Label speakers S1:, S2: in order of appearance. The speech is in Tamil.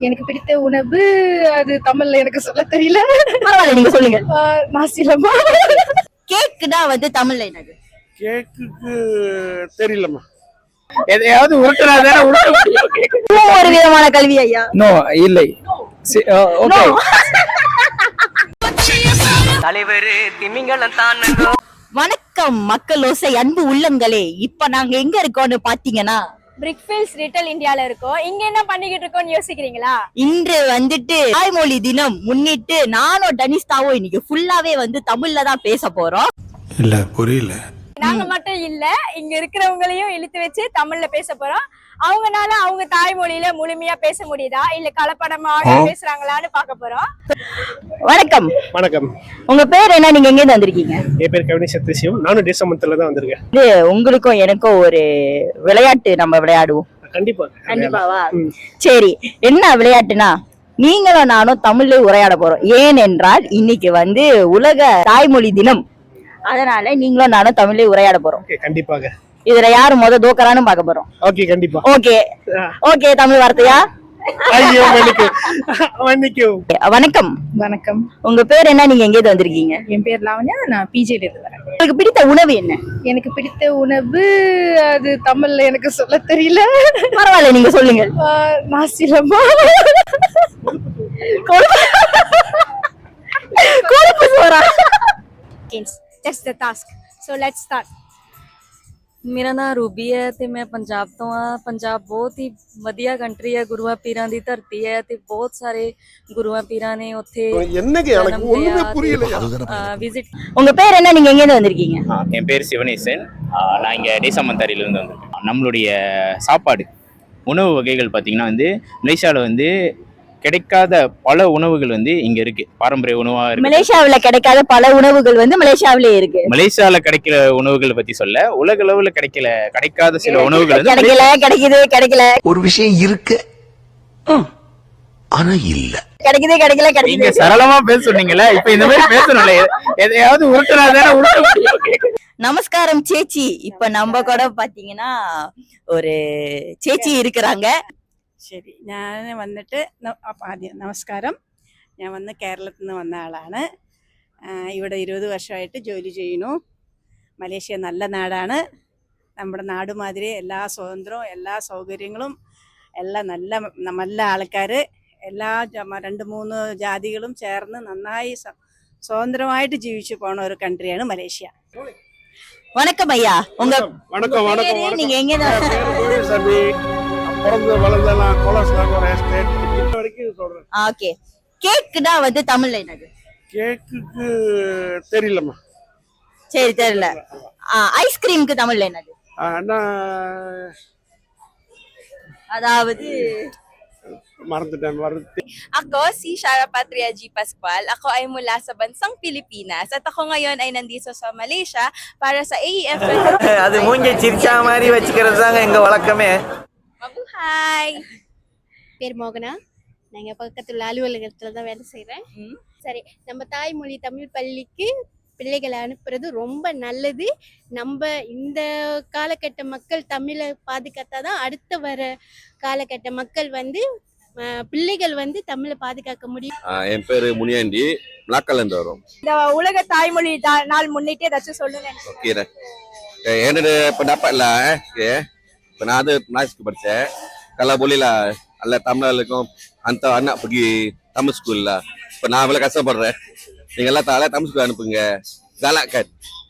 S1: எனக்கு பிடித்த உணவு அது தமிழ்ல எனக்கு சொல்ல தெரியல.
S2: பரவாயில்ல, நீங்க சொல்லுங்க.
S1: நாசிலமா.
S2: கேக்குனா தமிழ்ல என்னது?
S3: கேக்குக்கு தெரியலம்மா. எதையாவது உருட்டுறாதானே உருட்ட முடியும்.
S2: இதுவும் ஒரு விதமான கல்வி ஐயா.
S4: நோ இல்லை. ஓகே.
S5: தலைவர் திமிங்கலம் தான்.
S2: வணக்கம் மக்கள் ஓசை அன்பு உள்ளங்களே. இப்ப நாங்க எங்க இருக்கோம்னு பாத்தீங்கன்னா
S6: பிரிக்ஃபீல்ட்ஸ் லிட்டில் இந்தியால இருக்கோம். இங்க என்ன பண்ணிக்கிட்டு இருக்கோம்னு யோசிக்கிறீங்களா?
S2: இன்று தாய்மொழி தினம் முன்னிட்டு நானும் டனிஸ்தாவும் இன்னைக்கு ஃபுல்லாவே தமிழ்ல தான் பேச போறோம்.
S3: இல்ல புரியல.
S6: நாங்க மட்டும் இல்ல, இங்க இருக்கிறவங்களையும் இழுத்து வச்சு தமிழ்ல பேச போறோம். அவங்கனால அவங்க தாய்மொழியில முழுமையா பேச முடியுதா இல்ல கலப்படமாக பேசுறாங்களான்னு பார்க்க போறோம்.
S2: வணக்கம்.
S3: வணக்கம்.
S2: உங்க பேர் என்ன? நீங்க எங்க இருந்து வந்திருக்கீங்க?
S3: என் பேர் கவினி சத்யசிவம். நானும் தேசமத்துல தான் வந்திருக்கேன்.
S2: இது உங்களுக்கும் எனக்கும் ஒரு விளையாட்டு நம்ம விளையாடுவோம்.
S3: கண்டிப்பா.
S2: கண்டிப்பாவா? சரி, என்ன விளையாட்டுனா நீங்களும் நானும் தமிழ்ல உரையாட போறோம். ஏனென்றால் இன்னைக்கு உலக தாய்மொழி தினம். அதனால நீங்களும் நானும் தமிழ்ல உரையாட போறோம்.
S3: கண்டிப்பாக.
S2: இதுல யாரு தோக்கறான்னு பார்க்க போறோம்.
S3: ஓகே, கண்டிப்பா.
S2: Okay okay. தமிழ் வார்த்தையா?
S3: ஐயோ மன்னிக்கு.
S1: வணக்கம். வணக்கம்.
S2: உங்க பேர் என்ன? நீங்க எங்க இருந்து வந்திருக்கீங்க?
S1: என் பேர் லாவண்யா. நான் பிஜேல இருந்து வரேன்.
S2: உங்களுக்கு பிடித்த உணவு என்ன?
S1: எனக்கு பிடித்த உணவு அது தமிழ்ல எனக்கு சொல்ல தெரியல.
S2: பரவாயில்ல, நீங்க சொல்லுங்க.
S1: நாசிலமா.
S2: கொழுப்பு சோறா?
S6: That's the task. So let's start.
S7: ਮੇਰਾ ਨਾਮ ਰੂਬੀ ਹੈ ਤੇ ਮੈਂ ਪੰਜਾਬ ਤੋਂ ਆ। ਪੰਜਾਬ ਬਹੁਤ ਹੀ ਵਧੀਆ ਕੰਟਰੀ ਹੈ, ਗੁਰੂਆਂ ਪੀਰਾਂ ਦੀ ਧਰਤੀ ਹੈ ਤੇ ਬਹੁਤ ਸਾਰੇ ਗੁਰੂਆਂ ਪੀਰਾਂ ਨੇ ਉੱਥੇ விசிட்.
S2: உங்க பேர் என்ன? நீங்க எங்க இருந்து வந்திருக்கீங்க?
S8: என் பேர் சிவனேசன். நான் இங்கே டேசமந்தாரியிலேருந்து வந்திருக்கேன். நம்மளுடைய சாப்பாடு உணவு வகைகள் பார்த்தீங்கன்னா மலேசியாவில் கிடைக்காத பல உணவுகள் இங்க இருக்கு. பாரம்பரிய உணவா இருக்கு.
S2: மலேசியாவுல கிடைக்காத பல உணவுகள் மலேசியாவிலே இருக்கு.
S8: மலேசியால கிடைக்கிற உணவுகளை பத்தி சொல்ல, உலக அளவுல கிடைக்காத சில உணவுகள்
S2: கிடைக்கல.
S9: ஒரு விஷயம் இருக்கு ஆனா இல்ல.
S2: கிடைக்குது.
S8: நீங்க சரளமா பேச சொன்னீங்கல்ல, இப்ப இந்த மாதிரி பேசணும்ல. எதையாவது உருட்டுறாதானே உருட்ட முடியும்.
S2: நமஸ்காரம் சேச்சி. இப்ப நம்ம கூட பாத்தீங்கன்னா ஒரு சேச்சி இருக்கிறாங்க.
S10: ശരി, ഞാൻ ആദ്യം നമസ്കാരം. ഞാൻ കേരളത്തിൽ നിന്ന് വന്ന ആളാണ്. ഇവിടെ 20 വർഷമായിട്ട് ജോലി ചെയ്യുന്നു. മലേഷ്യ നല്ല നാടാണ്. നമ്മുടെ നാട് മാതിരി എല്ലാ സ്വാതന്ത്ര്യവും എല്ലാ സൗകര്യങ്ങളും എല്ലാം നല്ല ആൾക്കാർ, എല്ലാ 2-3 ജാതികളും ചേർന്ന് നന്നായി സ്വതന്ത്രമായിട്ട് ജീവിച്ചു പോണ ഒരു കൺട്രിയാണ് മലേഷ്യ.
S2: வணக்கம் ஐயா. உங்க
S3: வணக்கம்.
S2: நீங்க எங்க
S3: பிறந்து வளர்ந்தெல்லாம் கோலாஸ்லாங்கோர் எஸ்டேட் இன்ன வரைக்கும் சொல்றேன்.
S2: ஓகே. கேக்குனா தமிழ்ல என்னது?
S3: கேக்குக்கு தெரியலம்மா.
S2: சரி, தெரியல. ஐஸ்கிரீமுக்கு தமிழ்ல என்னது?
S7: அதாவது
S3: மறந்துட்டேன்.
S7: Ako si Shara Patria G. Pascual. Ako ay mula sa bansang Pilipinas at ako ngayon ay nandito sa Malaysia para sa AEF.
S5: அது மூஞ்சி சிரிச்சா மாதிரி வச்சுக்கிறது தாங்க எங்க வழக்கமே.
S7: Mabuhay!
S6: பேர் மோகனா. நாங்க பக்கத்துல அலுவலகத்துல தான் வேலை செய்யறேன். சரி, நம்ம தாய்மொழி தமிழ் பள்ளிக்கு பிள்ளைகளை அனுப்புறது ரொம்ப நல்லது. நம்ம இந்த காலகட்ட மக்கள் தமிழை பாதுகாத்தாதான் அடுத்த வர காலகட்ட மக்கள் பிள்ளைகள் தமிழை பாதுகாக்க முடியும்.
S11: என் பேரு முனியாண்டி. நாக்கல்ல இருந்து வரும்.
S6: இந்த உலக தாய்மொழி நாள் முன்னிட்டு ஏதாச்சும் சொல்லுங்க.
S11: என்னோட pendapat lah, இப்ப நான் மேத்ஸ்க்கு படிச்சேன். kalau boleh lah alla தமிழர்களுக்கும் hantar anak pergi Tamil school lah. இப்ப நான் இவ்வளவு கஷ்டப்படுறேன், நீங்க எல்லாம் தமிழ் ஸ்கூல் அனுப்புங்க, galakkan.